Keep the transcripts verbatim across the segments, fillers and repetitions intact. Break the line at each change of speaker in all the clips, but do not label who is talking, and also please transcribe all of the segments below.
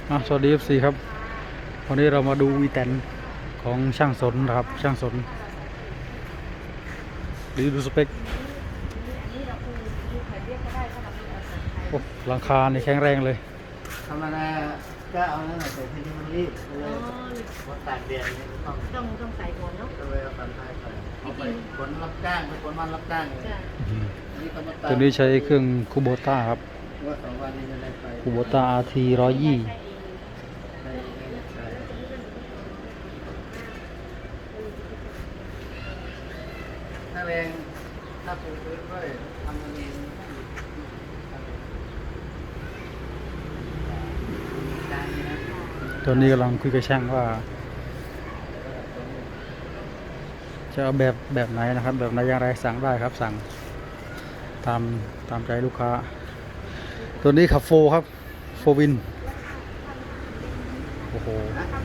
อ่ะสวัสดี เอฟ ซี ครับวันนี้เรามาดูวีแตนของช่างสนนะครับช่างสนรีดูสเปคโอ้หลังคานี่แข็งแรงเลย
ธรรมดาก็เอานั่นแหละแต่ทีนี้มันรีบเลยพอตากแดดนี่ต้อง
ต้องต้องใส่ก่อนเนาะ
ก็เลยเอาตันท้ายไปเอาไปขนรับจ้างไปขนมันรับจ้างนี่ก็มาตาก
ตัวนี้ใช้เครื่องคูโบต้าครับ
ว่าสองวันนี้จะได้ไป
คูโบต้า อาร์ ที ร้อยยี่
ถ้าแรงถ้าปูพื้นด้วยทำมันเองได้นะ
ตัวนี้กำลังคุยกับช่างว่าจะเอาแบบแบบไหนนะครับแบบไหนอย่างไรสั่งได้ครับสั่งตามตามใจลูกค้าตัวนี้ขับโฟครับโฟวินโอ้โห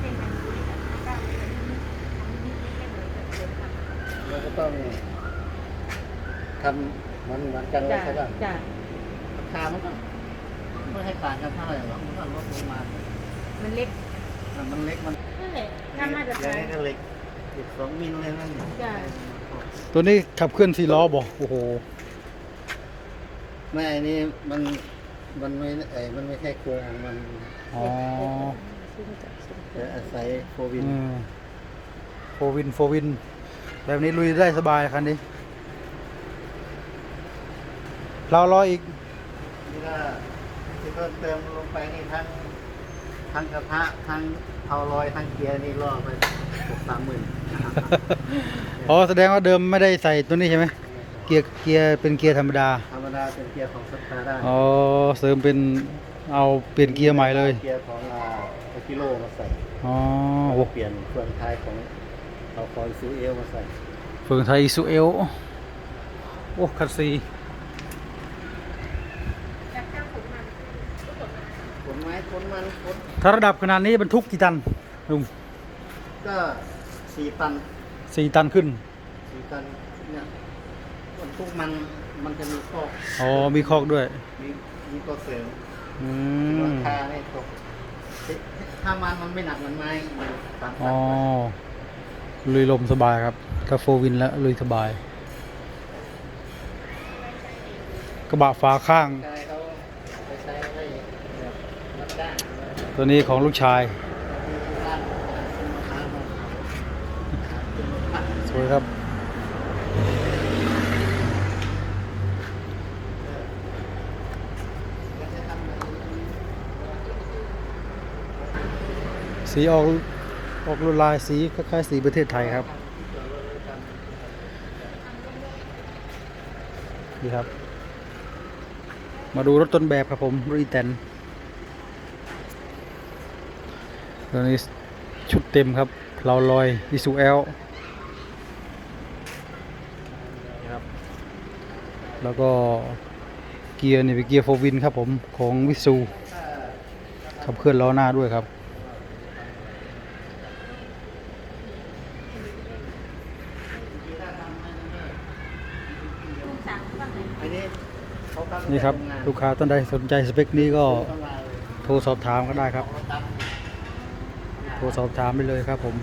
เราก็ต้องทำมันเหมือนกันเลยใช่ป่ะราคามันก็ไม่ให้ต่างกันเท่าไหร่หรอกมันก็ลดลงมา
มันเล็ก
มันเล็กมัน
นั่นแหละถ้ามาจากไหน
ก็เล็กอีกสองมิลเลยนั่น
ตัวนี้ขับเคลื่อนสี่ล้อบ่โอ้โห
ไม่อันนี้มันมันไม่ไอ้มันไม่ใช่โครงมัน
อ๋อ
จะอาศัยโฟวิน
โฟวินโฟวินแบบนี้ลุยได้สบายคันนี้เราล้ออีก
นี่ก็ที่เพิ่มเติมลงไปนี่ทั้งทั้งกระทะทั้งเอาลอยทั้งเกียร์นี่ล่อไปหกสามหมื่น
อ๋อแสดงว่าเดิมไม่ได้ใส่ตัวนี้ใช่ไหมเกียร์เกียร์เป็นเกียร์ธรรมดา
ธรรมดาเป็นเกียร์ของสตาร์ได้
อ๋อเสริมเป็นเอาเปลี่ยนเกียร์ใหม่เลย
เกียร์ของอากิโลมาใส่
อ๋อ
โอ้เปลี่ยนเฟืองท้ายของเอาคอยซูเอลมาใส่
เฟืองไทยซูเอลโอ้คัสซี
ขนไม้ขนมันขน
ถ้าระดับขนาดนี้บรรทุกกี่ตันลุง
ก็สี่ตัน
สี่ตันขึ้น
สี่ตันเนี่ยบรรทุกมันมันจะมีคอก
อ๋อมีคอกด้วย
มีมีตัวเสริม
อืม
ราคาไม่ตกถ้ามันมันไม่หนักเหมือนไม้ตัน
อ๋อลุยลมสบายครับถ้าโฟวินแล้วลุยสบายกระบะฝาข้างตัวนี้ของลูกชายสวยครับสีออกออกลายสีคล้ายๆสีประเทศไทยครับนี่ครับมาดูรถต้นแบบครับผมรถอีแตนตัวนี้ชุดเต็มครับเราลอยวิสูเอลครับแล้วก็เกียร์นี่เป็นเกียร์โฟวินครับผมของวิสูขับเคลื่อนล้อหน้าด้วยครับนี่ครับลูกค้าท่านใดสนใจสเปคนี้ก็โทรสอบถามก็ได้ครับโทรสอบถามไปเลยครับผม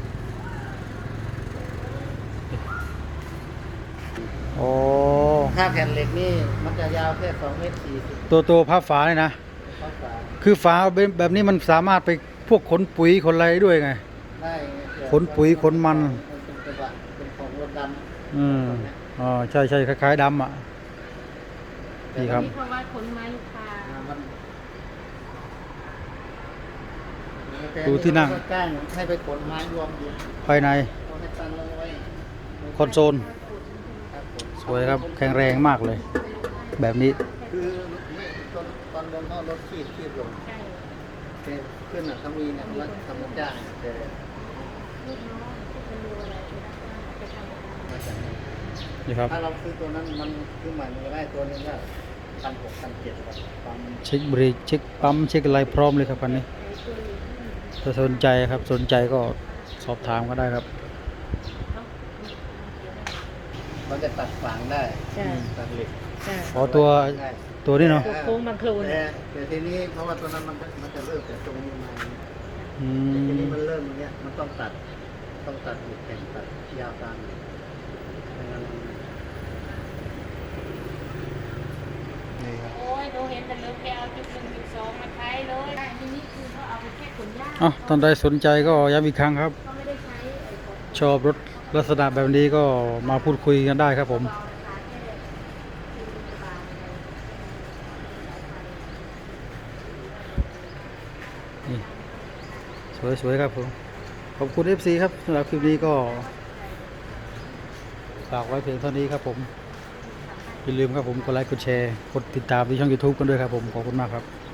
โอ้
ถ้าแผ่นเหล็กนี่มันจะยาวแค่สองเมตรสี่สิบ
ตัวตัวพับฝาเลยนะคือฝาแบบนี้มันสามารถไปพวกขนปุ๋ยขนอะไรด้วยไง
ได้
ขนปุ๋ยขนมัน
เป็นกระบะเป็นของรถดำ
อืมอ๋อใช่ใช่คล้ายๆดำอ่ะนี่ครับ
เพราะว่าขนไม้ลูกค้า
ดูที่นั่ง
จ้างให้ไปขนไม้รวมอยู่
ภายในคอนโซลสวยครับแข็งแรงมากเลยแบบนี้
คือตอนตอนลงรถขีดขีดลงขึ้นอ่ะถ้ามีเนี่ยรถทำจ้างแต่
นี่ครับ
ถ้าเราซื้อตัวนั้นมันซื้อใหม่มันก็ได้ตัวนึงก็พันหกพันเจ็ดปั๊ม
เช็คเบรกเช็คปั๊มเช็คอะไรพร้อมเลยครับคันนี้ถ้าสนใจครับสนใจก็สอบถามก็ได้ครับ
มันจะตัดฝางได้ตัดเหล็ก
จ้ะ
อ๋อตัว
ได้
ตัวนี้เนาะ
ตัวโค้งบางโคลน
แต่แต่ทีนี้เพราะว่าตัวนั้นมันจะมันจะเริ่มจากตรงนี้มา
อื
ทีนี้
ม
มันเริ่มอย่างเงี้ยมันต้องตัดต้องตัดอีกแข่งตัดยาวตามไม่งั้นมัน
นี่ครับ
โอ้ยหนูเห็นแต่เลิกแกเอาจุดหนึ่งจุดสองมาใช้เลยได้ทีนี้คือเขาเอาไปแค่ขนหญ้า
อ่ะท่านใดสนใจก็ย้ำอีกครั้งครับ
เขาไม่ได้ใช้ไอ้ของ
ชอบรถลักษณะแบบนี้ก็มาพูดคุยกันได้ครับผม
เบาราคาแค่สี่สิบบาทเอง
นี่สวยๆครับผม ขอบคุณ เอฟ ซี ครับสำหรับคลิปนี้ก็ฝากไว้เพียงเท่านี้ครับผม อย่าลืมครับผมกดไลค์กดแชร์กดติดตามที่ช่อง YouTube กันด้วยครับผม ขอบคุณมากครับ